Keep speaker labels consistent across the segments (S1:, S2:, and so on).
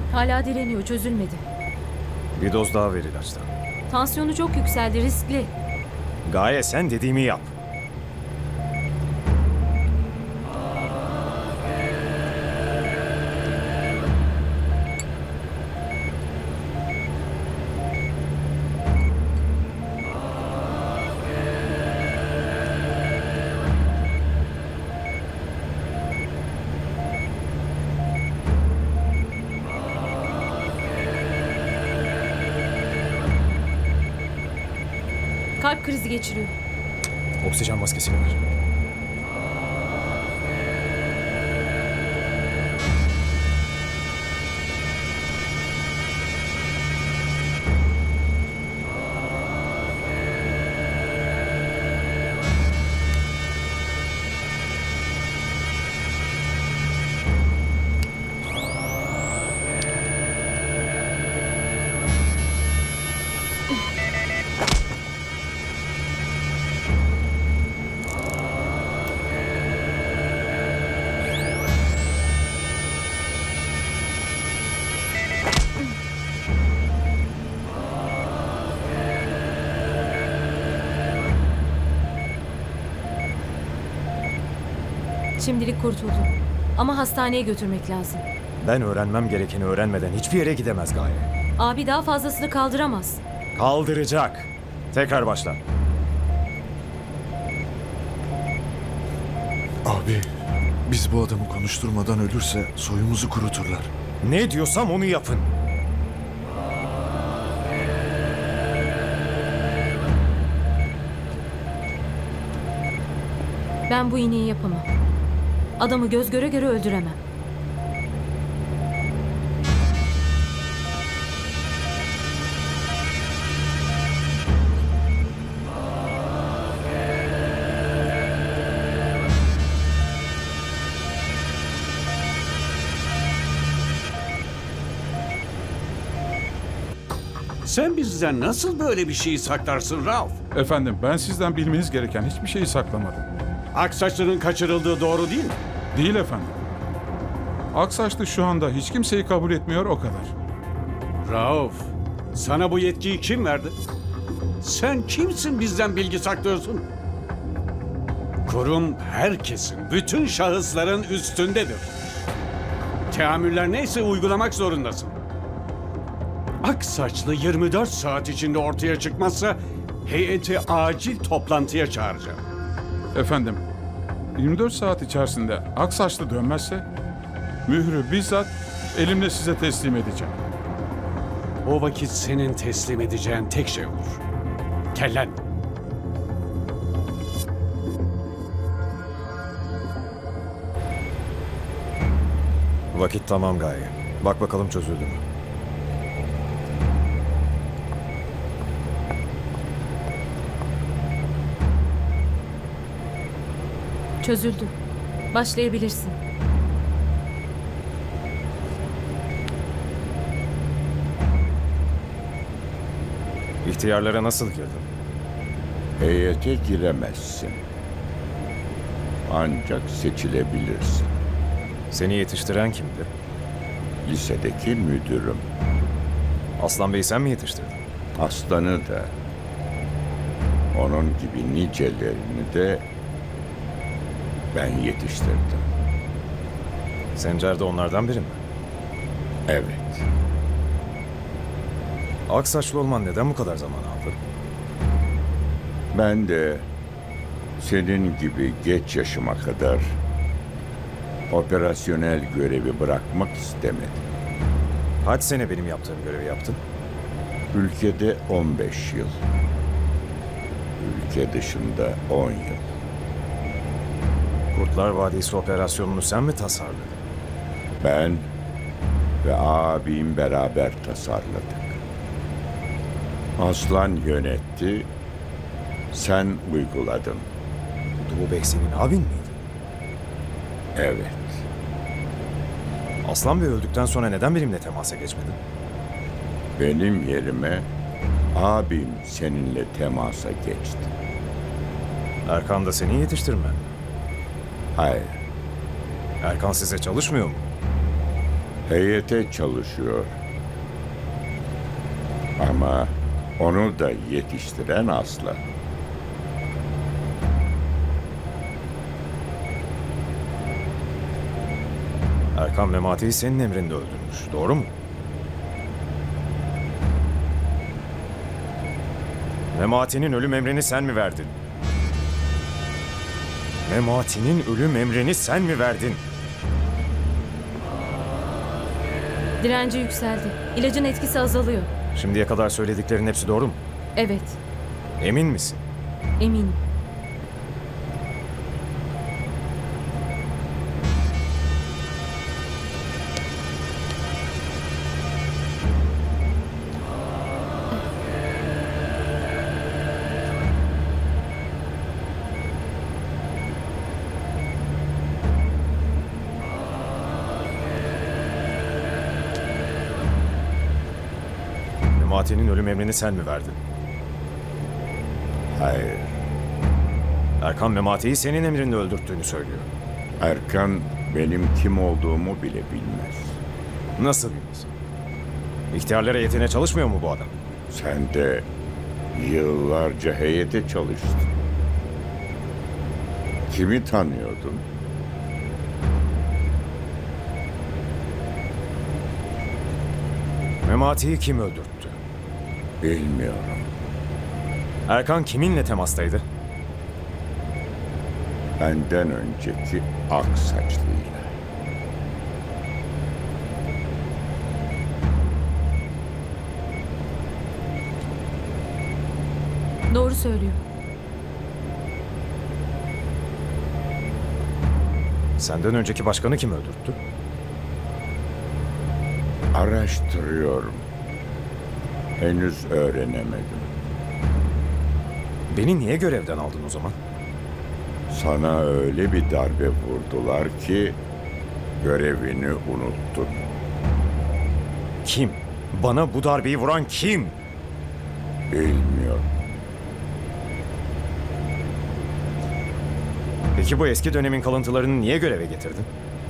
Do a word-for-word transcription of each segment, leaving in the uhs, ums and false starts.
S1: Hala direniyor, çözülmedi.
S2: Bir doz daha ver ilaçtan.
S1: Tansiyonu çok yükseldi, riskli.
S2: Gaye sen dediğimi yap.
S1: Kalp krizi geçiriyor.
S2: Oksijen maskesini ver.
S1: Şimdilik kurtuldu. Ama hastaneye götürmek lazım.
S2: Ben öğrenmem gerekeni öğrenmeden hiçbir yere gidemez Gaye.
S1: Abi daha fazlasını kaldıramaz.
S2: Kaldıracak. Tekrar başla.
S3: Abi, biz bu adamı konuşturmadan ölürse soyumuzu kuruturlar.
S2: Ne diyorsam onu yapın.
S1: Ben bu iğneyi yapamam. Adamı göz göre göre öldüremem.
S4: Sen bizden nasıl böyle bir şeyi saklarsın Rauf?
S5: Efendim, ben sizden bilmeniz gereken hiçbir şeyi saklamadım.
S4: Aksaçlı'nın kaçırıldığı doğru değil mi?
S5: Değil efendim. Aksaçlı şu anda hiç kimseyi kabul etmiyor, o kadar.
S4: Rauf, sana bu yetkiyi kim verdi? Sen kimsin bizden bilgi saklıyorsun? Kurum herkesin, bütün şahısların üstündedir. Teamüller neyse uygulamak zorundasın. Aksaçlı yirmi dört saat içinde ortaya çıkmazsa heyeti acil toplantıya çağıracağım.
S5: Efendim, yirmi dört saat içerisinde Aksaçlı dönmezse mührü bizzat elimle size teslim edeceğim.
S4: O vakit senin teslim edeceğin tek şey olur. Kellen.
S2: Vakit tamam Gaye. Bak bakalım çözüldü mü?
S1: Çözüldü. Başlayabilirsin.
S2: İhtiyarlara nasıl girdin?
S6: Heyete giremezsin. Ancak seçilebilirsin.
S2: Seni yetiştiren kimdi?
S6: Lisedeki müdürüm.
S2: Aslan Bey'i sen mi yetiştirdin?
S6: Aslanı da, onun gibi nicelerini de ben yetiştirdim.
S2: Sencer de onlardan biri mi?
S6: Evet,
S2: Aksaçlı olman neden bu kadar zaman aldı?
S6: ben de senin gibi geç yaşıma kadar operasyonel görevi bırakmak istemedim.
S2: Kaç sene benim yaptığım görevi yaptın?
S6: Ülkede on beş yıl. Ülke dışında on yıl.
S2: Kurtlar Vadisi operasyonunu sen mi tasarladın?
S6: Ben ve abim beraber tasarladık. Aslan yönetti, sen uyguladın.
S2: Doğu Bey senin abin miydi?
S6: Evet,
S2: Aslan Bey öldükten sonra neden benimle temasa geçmedin?
S6: benim yerime abim seninle temasa geçti.
S2: Erkan da seni yetiştirmen.
S6: Hayır,
S2: Erkan size çalışmıyor mu?
S6: Heyete çalışıyor. Ama onu da yetiştiren Aslı.
S2: Erkan Memati'yi senin emrinde öldürmüş. Doğru mu? Memati'nin ölüm emrini sen mi verdin? Memati'nin ölüm emrini sen mi verdin?
S1: Direnci yükseldi. İlacın etkisi azalıyor.
S2: Şimdiye kadar söylediklerin hepsi doğru mu?
S1: Evet,
S2: Emin misin?
S1: eminim.
S2: Memati'nin ölüm emrini sen mi verdin?
S6: Hayır.
S2: Erkan Memati'yi senin emrinde öldürttüğünü söylüyor.
S6: Erkan benim kim olduğumu bile bilmez.
S2: Nasıl bilmez? İhtiyarlara yetine çalışmıyor mu bu adam?
S6: Sen de yıllarca heyete çalıştın. Kimi tanıyordun?
S2: Memati'yi kim öldürttü?
S6: Bilmiyorum.
S2: Erkan kiminle temastaydı?
S6: Benden önceki ak saçlıyla.
S1: Doğru söylüyor.
S2: Senden önceki başkanı kim öldürttü?
S6: Araştırıyorum. Henüz öğrenemedim.
S2: Beni niye görevden aldın o zaman?
S6: Sana öyle bir darbe vurdular ki görevini unuttun.
S2: Kim? Bana bu darbeyi vuran kim?
S6: Bilmiyorum.
S2: Peki bu eski dönemin kalıntılarını niye göreve getirdin?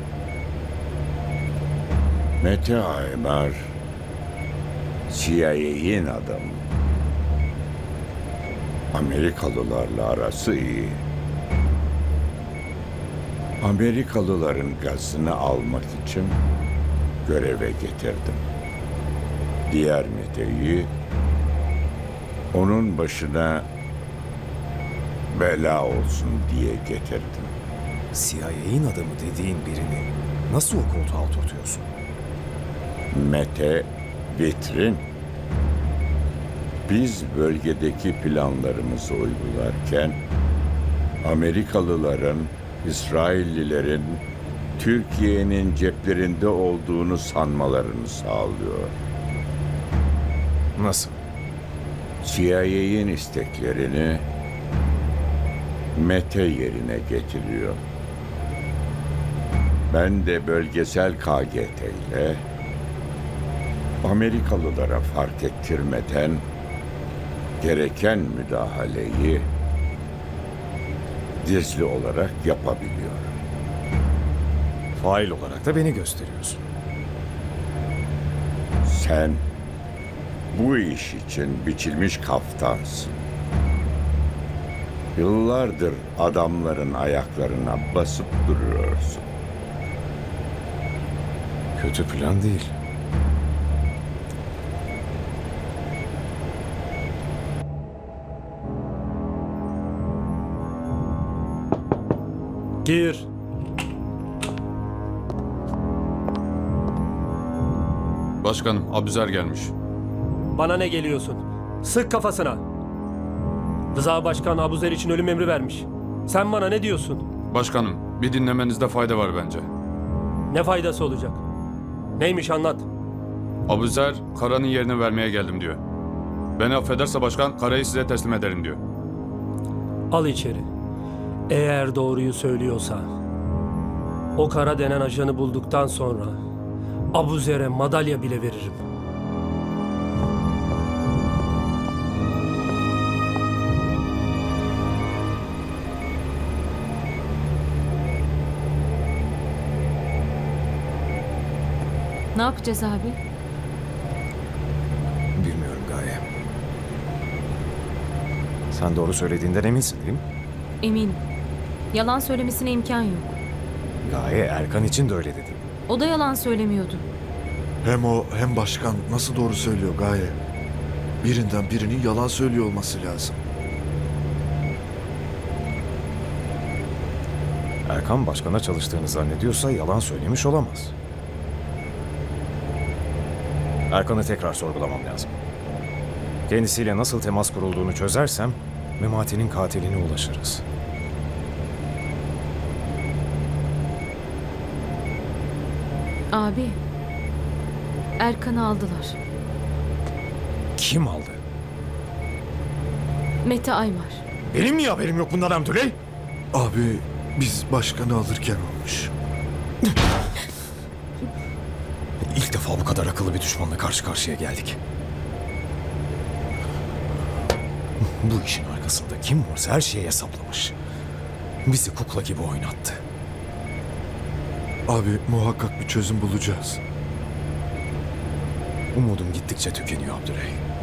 S6: Mete Aymar C I A'nin adamı. Amerikalılarla arası iyi. Amerikalıların gazını almak için göreve getirdim. Diğer Mete'yi onun başına bela olsun diye getirdim.
S2: C I A'nin adamı dediğin birini nasıl o koltuğa oturtuyorsun?
S6: Mete vitrin. Biz bölgedeki planlarımızı uygularken Amerikalıların, İsraillilerin Türkiye'nin ceplerinde olduğunu sanmalarını sağlıyor.
S2: Nasıl?
S6: C I A'nin isteklerini Mete yerine getiriyor. Ben de bölgesel K G T ile Amerikalılara fark ettirmeden gereken müdahaleyi gizli olarak yapabiliyor.
S2: Fail olarak da beni gösteriyorsun.
S6: Sen bu iş için biçilmiş kaftansın. Yıllardır adamların ayaklarına basıp duruyorsun.
S2: Kötü plan değil.
S7: Gir.
S5: Başkanım, Abuzer gelmiş.
S7: Bana ne geliyorsun? Sık kafasına. Rıza Başkan Abuzer için ölüm emri vermiş. Sen bana ne diyorsun?
S5: Başkanım, bir dinlemenizde fayda var bence.
S7: Ne faydası olacak? Neymiş anlat.
S5: Abuzer, Kara'nın yerini vermeye geldim diyor. Beni affederse başkan, Kara'yı size teslim ederim diyor.
S7: Al içeri. Eğer doğruyu söylüyorsa, o Kara denen ajanı bulduktan sonra Abuzer'e madalya bile veririm.
S1: Ne yapacağız abi?
S2: Bilmiyorum Gaye. Sen doğru söylediğinden eminsin değil mi?
S1: Eminim. Yalan söylemesine imkan yok.
S2: Gaye, Erkan için de öyle dedi.
S1: O da yalan söylemiyordu.
S3: Hem o hem başkan nasıl doğru söylüyor Gaye? Birinden birinin yalan söylüyor olması lazım.
S2: Erkan başkana çalıştığını zannediyorsa yalan söylemiş olamaz. Erkan'ı tekrar sorgulamam lazım. Kendisiyle nasıl temas kurulduğunu çözersem Memati'nin katiline ulaşırız.
S1: Abi. Erkan'ı aldılar.
S2: Kim aldı?
S1: Mete Aymar.
S2: Benim niye haberim yok bundan Abdüley?
S3: Abi biz başkanı alırken olmuş.
S2: İlk defa bu kadar akıllı bir düşmanla karşı karşıya geldik. Bu işin arkasında kim varsa her şeyi hesaplamış. Bizi kukla gibi oynattı.
S3: Abi muhakkak bir çözüm bulacağız.
S2: Umudum gittikçe tükeniyor Abdüley.